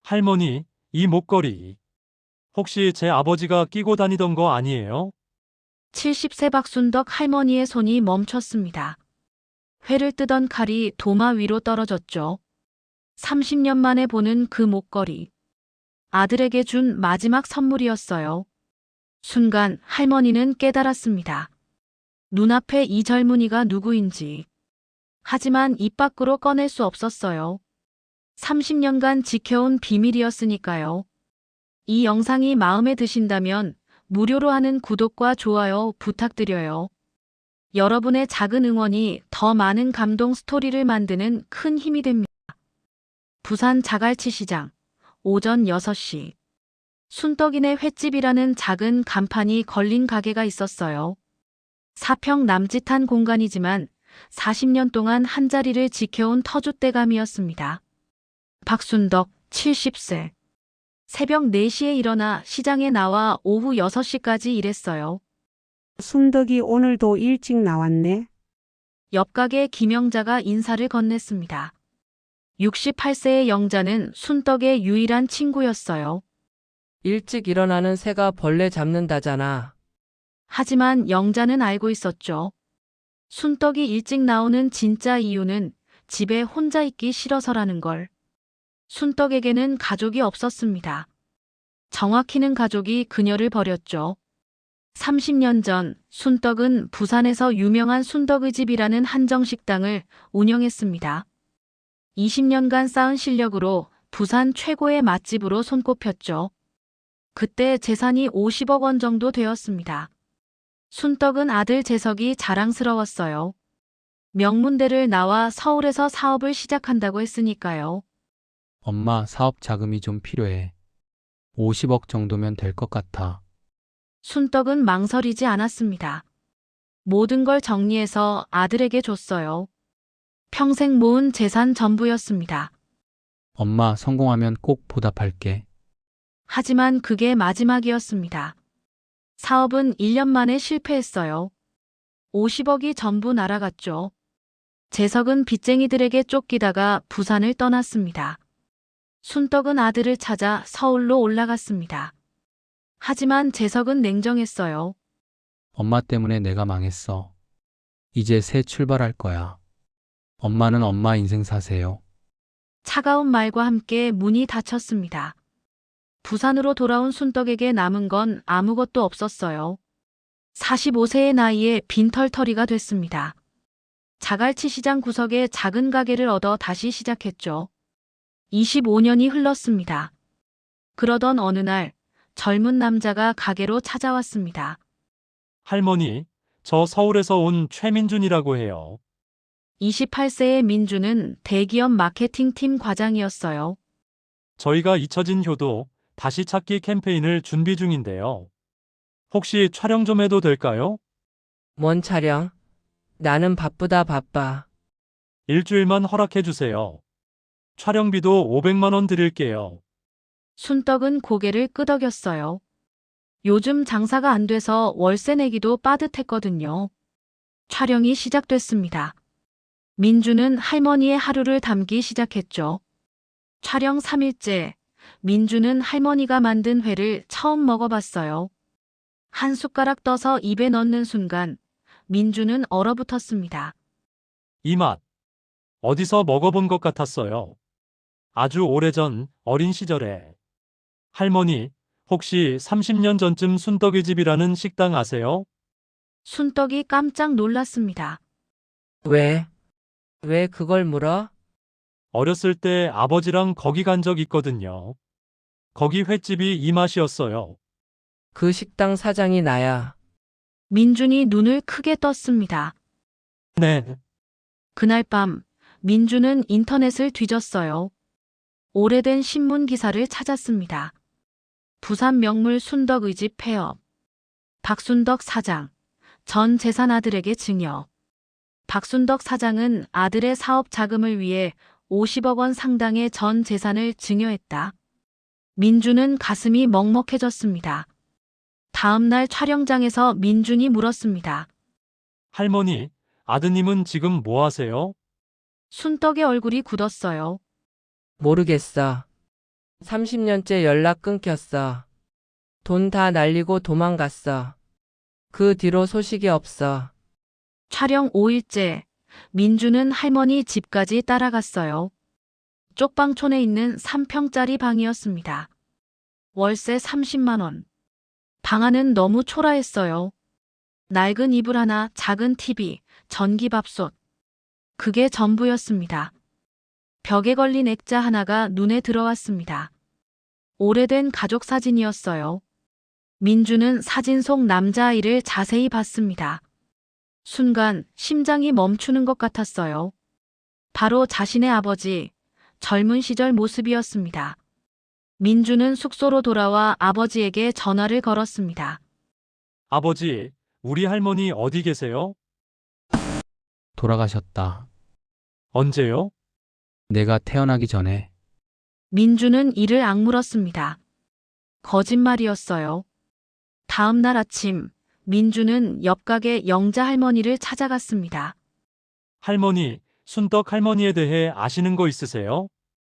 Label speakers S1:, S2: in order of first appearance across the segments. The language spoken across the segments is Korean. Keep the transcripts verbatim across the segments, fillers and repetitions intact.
S1: 할머니, 이 목걸이 혹시 제 아버지가 끼고 다니던 거 아니에요?
S2: 칠십 세 박순덕 할머니의 손이 멈췄습니다. 회를 뜨던 칼이 도마 위로 떨어졌죠. 삼십 년 만에 보는 그 목걸이. 아들에게 준 마지막 선물이었어요. 순간 할머니는 깨달았습니다. 눈앞에 이 젊은이가 누구인지. 하지만 입 밖으로 꺼낼 수 없었어요. 삼십 년간 지켜온 비밀이었으니까요. 이 영상이 마음에 드신다면 무료로 하는 구독과 좋아요 부탁드려요. 여러분의 작은 응원이 더 많은 감동 스토리를 만드는 큰 힘이 됩니다. 부산 자갈치 시장, 오전 여섯 시. 순떡이네 횟집이라는 작은 간판이 걸린 가게가 있었어요. 사평 남짓한 공간이지만 사십 년 동안 한자리를 지켜온 터줏대감이었습니다. 박순덕, 칠십 세. 새벽 네 시에 일어나 시장에 나와 오후 여섯 시까지 일했어요.
S3: 순덕이 오늘도 일찍 나왔네.
S2: 옆 가게 김영자가 인사를 건넸습니다. 육십팔 세의 영자는 순떡의 유일한 친구였어요.
S4: 일찍 일어나는 새가 벌레 잡는다잖아.
S2: 하지만 영자는 알고 있었죠. 순떡이 일찍 나오는 진짜 이유는 집에 혼자 있기 싫어서라는 걸. 순떡에게는 가족이 없었습니다. 정확히는 가족이 그녀를 버렸죠. 삼십 년 전 순떡은 부산에서 유명한 순덕의 집이라는 한정식당을 운영했습니다. 이십 년간 쌓은 실력으로 부산 최고의 맛집으로 손꼽혔죠. 그때 재산이 오십억 원 정도 되었습니다. 순떡은 아들 재석이 자랑스러웠어요. 명문대를 나와 서울에서 사업을 시작한다고 했으니까요.
S5: 엄마, 사업 자금이 좀 필요해. 오십억 정도면 될 것 같아.
S2: 순떡은 망설이지 않았습니다. 모든 걸 정리해서 아들에게 줬어요. 평생 모은 재산 전부였습니다.
S5: 엄마, 성공하면 꼭 보답할게.
S2: 하지만 그게 마지막이었습니다. 사업은 일 년 만에 실패했어요. 오십억이 전부 날아갔죠. 재석은 빚쟁이들에게 쫓기다가 부산을 떠났습니다. 순떡은 아들을 찾아 서울로 올라갔습니다. 하지만 재석은 냉정했어요.
S5: 엄마 때문에 내가 망했어. 이제 새 출발할 거야. 엄마는 엄마 인생 사세요.
S2: 차가운 말과 함께 문이 닫혔습니다. 부산으로 돌아온 순떡에게 남은 건 아무것도 없었어요. 사십오 세의 나이에 빈털터리가 됐습니다. 자갈치 시장 구석에 작은 가게를 얻어 다시 시작했죠. 이십오 년이 흘렀습니다. 그러던 어느 날 젊은 남자가 가게로 찾아왔습니다.
S1: 할머니, 저 서울에서 온 최민준이라고 해요.
S2: 이십팔 세의 민주는 대기업 마케팅팀 과장이었어요.
S1: 저희가 잊혀진 효도 다시 찾기 캠페인을 준비 중인데요. 혹시 촬영 좀 해도 될까요?
S4: 뭔 촬영? 나는 바쁘다 바빠.
S1: 일주일만 허락해 주세요. 촬영비도 오백만 원 드릴게요.
S2: 순떡은 고개를 끄덕였어요. 요즘 장사가 안 돼서 월세 내기도 빠듯했거든요. 촬영이 시작됐습니다. 민주는 할머니의 하루를 담기 시작했죠. 촬영 삼 일째, 민주는 할머니가 만든 회를 처음 먹어봤어요. 한 숟가락 떠서 입에 넣는 순간 민주는 얼어붙었습니다.
S1: 이 맛, 어디서 먹어본 것 같았어요. 아주 오래전 어린 시절에. 할머니, 혹시 삼십 년 전쯤 순떡의 집이라는 식당 아세요?
S2: 순떡이 깜짝 놀랐습니다.
S4: 왜? 왜 그걸 물어?
S1: 어렸을 때 아버지랑 거기 간 적 있거든요. 거기 횟집이 이 맛이었어요.
S4: 그 식당 사장이 나야.
S2: 민준이 눈을 크게 떴습니다.
S1: 네,
S2: 그날 밤 민주는 인터넷을 뒤졌어요. 오래된 신문 기사를 찾았습니다. 부산 명물 순덕의 집 폐업. 박순덕 사장. 전 재산 아들에게 증여. 박순덕 사장은 아들의 사업 자금을 위해 오십억 원 상당의 전 재산을 증여했다. 민주는 가슴이 먹먹해졌습니다. 다음 날 촬영장에서 민준이 물었습니다.
S1: 할머니, 아드님은 지금 뭐 하세요?
S2: 순떡의 얼굴이 굳었어요.
S4: 모르겠어. 삼십 년째 연락 끊겼어. 돈 다 날리고 도망갔어. 그 뒤로 소식이 없어.
S2: 촬영 오 일째, 민주는 할머니 집까지 따라갔어요. 쪽방촌에 있는 삼 평짜리 방이었습니다. 월세 삼십만 원. 방 안은 너무 초라했어요. 낡은 이불 하나, 작은 티비, 전기밥솥. 그게 전부였습니다. 벽에 걸린 액자 하나가 눈에 들어왔습니다. 오래된 가족 사진이었어요. 민주는 사진 속 남자아이를 자세히 봤습니다. 순간 심장이 멈추는 것 같았어요. 바로 자신의 아버지, 젊은 시절 모습이었습니다. 민주는 숙소로 돌아와 아버지에게 전화를 걸었습니다.
S1: 아버지, 우리 할머니 어디 계세요?
S5: 돌아가셨다.
S1: 언제요?
S5: 내가 태어나기 전에.
S2: 민주는 이를 악물었습니다. 거짓말이었어요. 다음 날 아침, 민주는 옆 가게 영자 할머니를 찾아갔습니다.
S1: 할머니, 순떡 할머니에 대해 아시는 거 있으세요?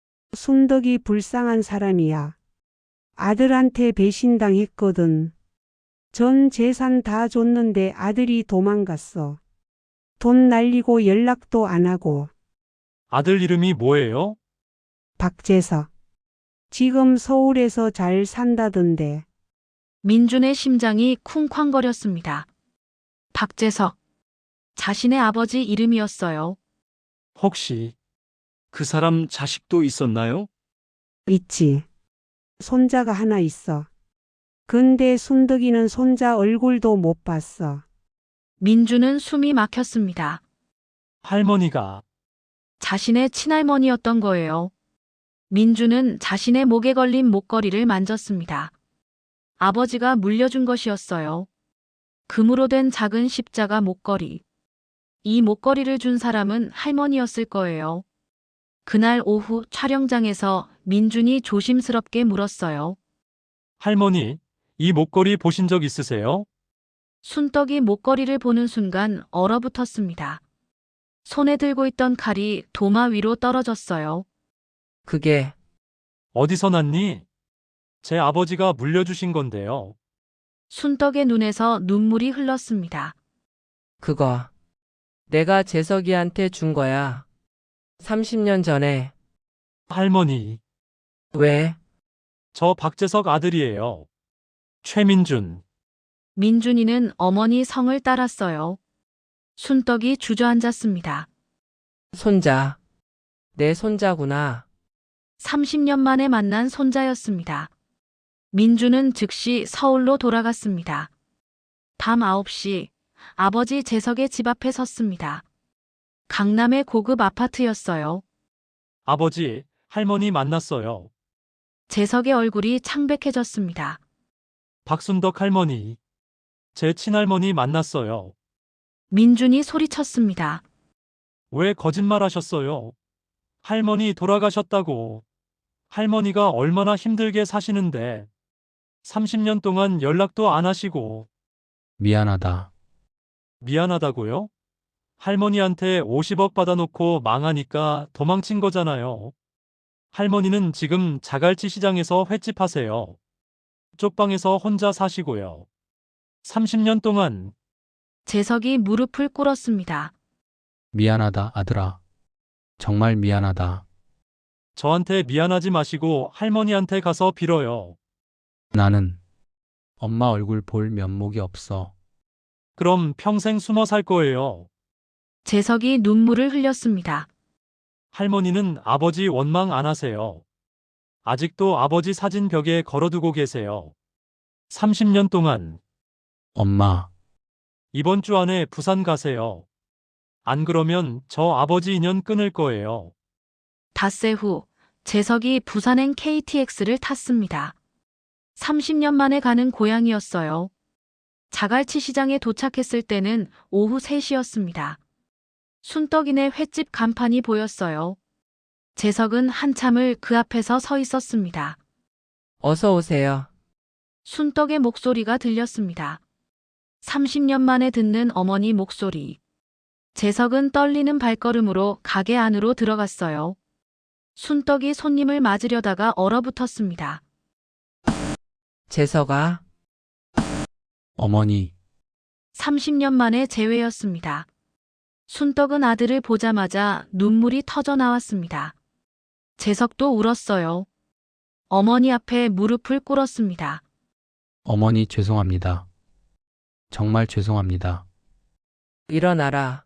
S3: 순덕이 불쌍한 사람이야. 아들한테 배신당했거든. 전 재산 다 줬는데 아들이 도망갔어. 돈 날리고 연락도 안 하고.
S1: 아들 이름이 뭐예요?
S3: 박재석. 지금 서울에서 잘 산다던데.
S2: 민준의 심장이 쿵쾅거렸습니다. 박재석. 자신의 아버지 이름이었어요.
S1: 혹시 그 사람 자식도 있었나요?
S3: 있지. 손자가 하나 있어. 근데 순덕이는 손자 얼굴도 못 봤어.
S2: 민주는 숨이 막혔습니다.
S1: 할머니가
S2: 자신의 친할머니였던 거예요. 민주는 자신의 목에 걸린 목걸이를 만졌습니다. 아버지가 물려준 것이었어요. 금으로 된 작은 십자가 목걸이. 이 목걸이를 준 사람은 할머니였을 거예요. 그날 오후 촬영장에서 민준이 조심스럽게 물었어요.
S1: 할머니, 이 목걸이 보신 적 있으세요?
S2: 순떡이 목걸이를 보는 순간 얼어붙었습니다. 손에 들고 있던 칼이 도마 위로 떨어졌어요.
S4: 그게
S1: 어디서 났니? 제 아버지가 물려주신 건데요.
S2: 순떡의 눈에서 눈물이 흘렀습니다.
S4: 그거 내가 재석이한테 준 거야. 삼십 년 전에.
S1: 할머니,
S4: 왜?
S1: 저 박재석 아들이에요. 최민준.
S2: 민준이는 어머니 성을 따랐어요. 순떡이 주저앉았습니다.
S4: 손자. 내 손자구나.
S2: 삼십 년 만에 만난 손자였습니다. 민주는 즉시 서울로 돌아갔습니다. 밤 아홉 시 아버지 재석의 집 앞에 섰습니다. 강남의 고급 아파트였어요.
S1: 아버지, 할머니 만났어요.
S2: 재석의 얼굴이 창백해졌습니다.
S1: 박순덕 할머니. 제 친할머니 만났어요.
S2: 민준이 소리쳤습니다.
S1: 왜 거짓말 하셨어요? 할머니 돌아가셨다고. 할머니가 얼마나 힘들게 사시는데. 삼십 년 동안 연락도 안 하시고.
S5: 미안하다.
S1: 미안하다고요? 할머니한테 오십억 받아놓고 망하니까 도망친 거잖아요. 할머니는 지금 자갈치 시장에서 횟집 하세요. 쪽방에서 혼자 사시고요. 삼십 년 동안
S2: 재석이 무릎을 꿇었습니다.
S5: 미안하다, 아들아. 정말 미안하다.
S1: 저한테 미안하지 마시고 할머니한테 가서 빌어요.
S5: 나는 엄마 얼굴 볼 면목이 없어.
S1: 그럼 평생 숨어 살 거예요.
S2: 재석이 눈물을 흘렸습니다.
S1: 할머니는 아버지 원망 안 하세요. 아직도 아버지 사진 벽에 걸어두고 계세요. 삼십 년 동안.
S5: 엄마,
S1: 이번 주 안에 부산 가세요. 안 그러면 저 아버지 인연 끊을 거예요.
S2: 닷새 후 재석이 부산행 케이티엑스를 탔습니다. 삼십 년 만에 가는 고향이었어요. 자갈치 시장에 도착했을 때는 오후 세 시였습니다. 순떡이네 횟집 간판이 보였어요. 재석은 한참을 그 앞에서 서 있었습니다.
S4: 어서 오세요.
S2: 순떡의 목소리가 들렸습니다. 삼십 년 만에 듣는 어머니 목소리. 재석은 떨리는 발걸음으로 가게 안으로 들어갔어요. 순떡이 손님을 맞으려다가 얼어붙었습니다.
S4: 재석아,
S5: 어머니,
S2: 삼십 년 만에 재회였습니다. 순떡은 아들을 보자마자 눈물이 터져 나왔습니다. 재석도 울었어요. 어머니 앞에 무릎을 꿇었습니다.
S5: 어머니 죄송합니다. 정말 죄송합니다.
S4: 일어나라.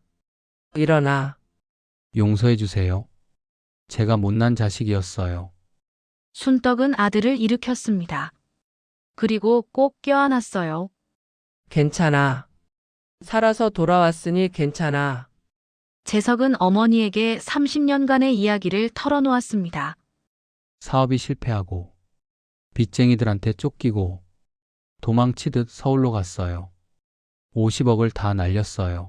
S4: 일어나.
S5: 용서해 주세요. 제가 못난 자식이었어요.
S2: 순떡은 아들을 일으켰습니다. 그리고 꼭 껴안았어요.
S4: 괜찮아. 살아서 돌아왔으니 괜찮아.
S2: 재석은 어머니에게 삼십 년간의 이야기를 털어놓았습니다.
S5: 사업이 실패하고 빚쟁이들한테 쫓기고 도망치듯 서울로 갔어요. 오십억을 다 날렸어요.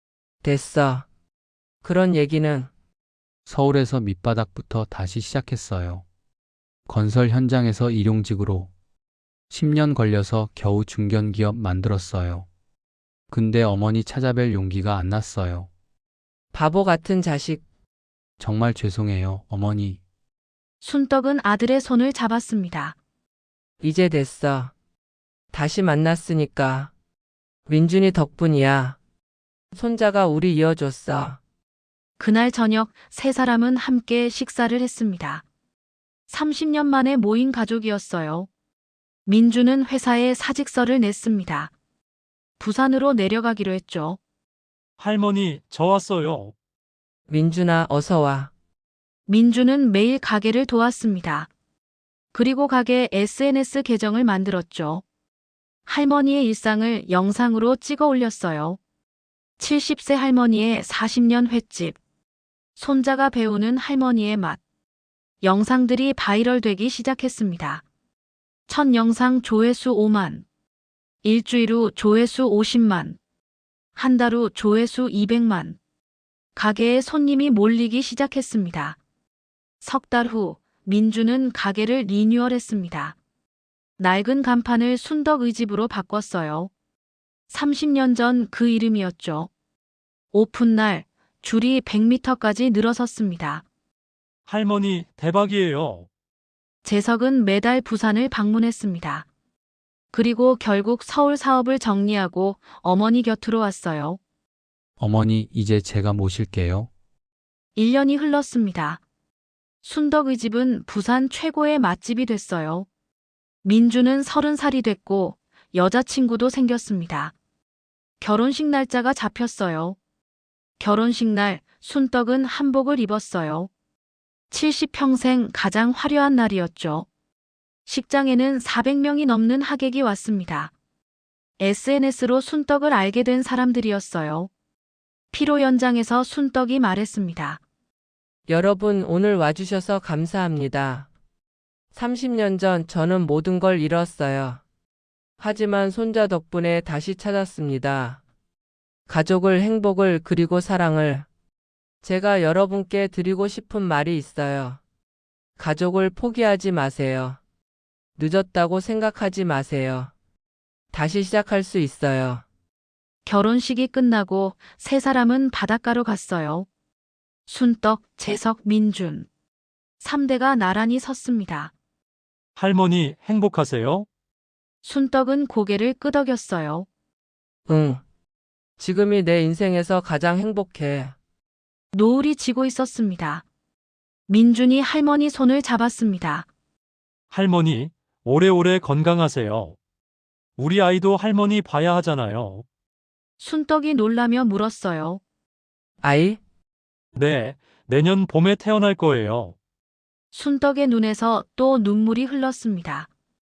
S4: 됐어. 그런 얘기는
S5: 서울에서 밑바닥부터 다시 시작했어요. 건설 현장에서 일용직으로 십 년 걸려서 겨우 중견기업 만들었어요. 근데 어머니 찾아뵐 용기가 안 났어요.
S4: 바보 같은 자식.
S5: 정말 죄송해요, 어머니.
S2: 순떡은 아들의 손을 잡았습니다.
S4: 이제 됐어. 다시 만났으니까. 민준이 덕분이야. 손자가 우리 이어줬어.
S2: 그날 저녁 세 사람은 함께 식사를 했습니다. 삼십 년 만에 모인 가족이었어요. 민주는 회사에 사직서를 냈습니다. 부산으로 내려가기로 했죠.
S1: 할머니, 저 왔어요.
S4: 민준아, 어서 와.
S2: 민주는 매일 가게를 도왔습니다. 그리고 가게 에스엔에스 계정을 만들었죠. 할머니의 일상을 영상으로 찍어 올렸어요. 칠십 세 할머니의 사십 년 횟집. 손자가 배우는 할머니의 맛. 영상들이 바이럴되기 시작했습니다. 첫 영상 조회수 오만. 일주일 후 조회수 오십만. 한 달 후 조회수 이백만. 가게에 손님이 몰리기 시작했습니다. 석 달 후 민주는 가게를 리뉴얼했습니다. 낡은 간판을 순덕의 집으로 바꿨어요. 삼십 년 전 그 이름이었죠. 오픈날 줄이 백 미터까지 늘어섰습니다.
S1: 할머니, 대박이에요.
S2: 재석은 매달 부산을 방문했습니다. 그리고 결국 서울 사업을 정리하고 어머니 곁으로 왔어요.
S5: 어머니, 이제 제가 모실게요.
S2: 일 년이 흘렀습니다. 순덕의 집은 부산 최고의 맛집이 됐어요. 민주는 서른 살이 됐고 여자친구도 생겼습니다. 결혼식 날짜가 잡혔어요. 결혼식 날 순떡은 한복을 입었어요. 칠십 평생 가장 화려한 날이었죠. 식장에는 사백 명이 넘는 하객이 왔습니다. 에스엔에스로 순떡을 알게 된 사람들이었어요. 피로 연장에서 순떡이 말했습니다.
S4: 여러분, 오늘 와주셔서 감사합니다. 삼십 년 전 저는 모든 걸 잃었어요. 하지만 손자 덕분에 다시 찾았습니다. 가족을, 행복을, 그리고 사랑을. 제가 여러분께 드리고 싶은 말이 있어요. 가족을 포기하지 마세요. 늦었다고 생각하지 마세요. 다시 시작할 수 있어요.
S2: 결혼식이 끝나고 세 사람은 바닷가로 갔어요. 순떡, 재석, 민준. 삼 대가 나란히 섰습니다.
S1: 할머니, 행복하세요?
S2: 순떡은 고개를 끄덕였어요.
S4: 응. 지금이 내 인생에서 가장 행복해.
S2: 노을이 지고 있었습니다. 민준이 할머니 손을 잡았습니다.
S1: 할머니, 오래오래 건강하세요. 우리 아이도 할머니 봐야 하잖아요.
S2: 순떡이 놀라며 물었어요.
S4: 아이?
S1: 네, 내년 봄에 태어날 거예요.
S2: 순떡의 눈에서 또 눈물이 흘렀습니다.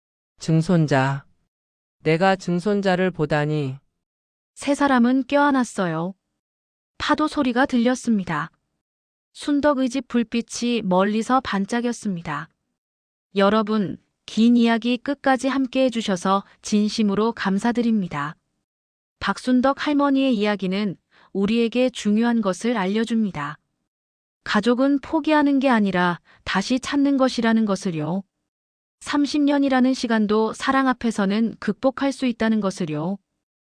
S4: 증손자. 내가 증손자를 보다니.
S2: 세 사람은 껴안았어요. 파도 소리가 들렸습니다. 순덕의 집 불빛이 멀리서 반짝였습니다. 여러분, 긴 이야기 끝까지 함께 해주셔서 진심으로 감사드립니다. 박순덕 할머니의 이야기는 우리에게 중요한 것을 알려줍니다. 가족은 포기하는 게 아니라 다시 찾는 것이라는 것을요. 삼십 년이라는 시간도 사랑 앞에서는 극복할 수 있다는 것을요.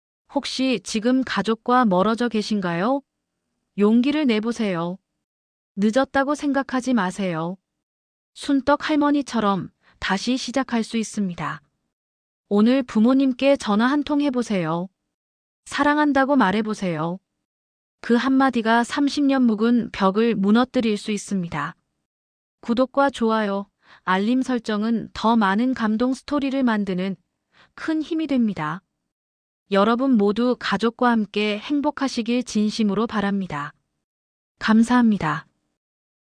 S2: 혹시 지금 가족과 멀어져 계신가요? 용기를 내보세요. 늦었다고 생각하지 마세요. 순떡 할머니처럼 다시 시작할 수 있습니다. 오늘 부모님께 전화 한 통 해보세요. 사랑한다고 말해보세요. 그 한마디가 삼십 년 묵은 벽을 무너뜨릴 수 있습니다. 구독과 좋아요, 알림 설정은 더 많은 감동 스토리를 만드는 큰 힘이 됩니다. 여러분 모두 가족과 함께 행복하시길 진심으로 바랍니다. 감사합니다.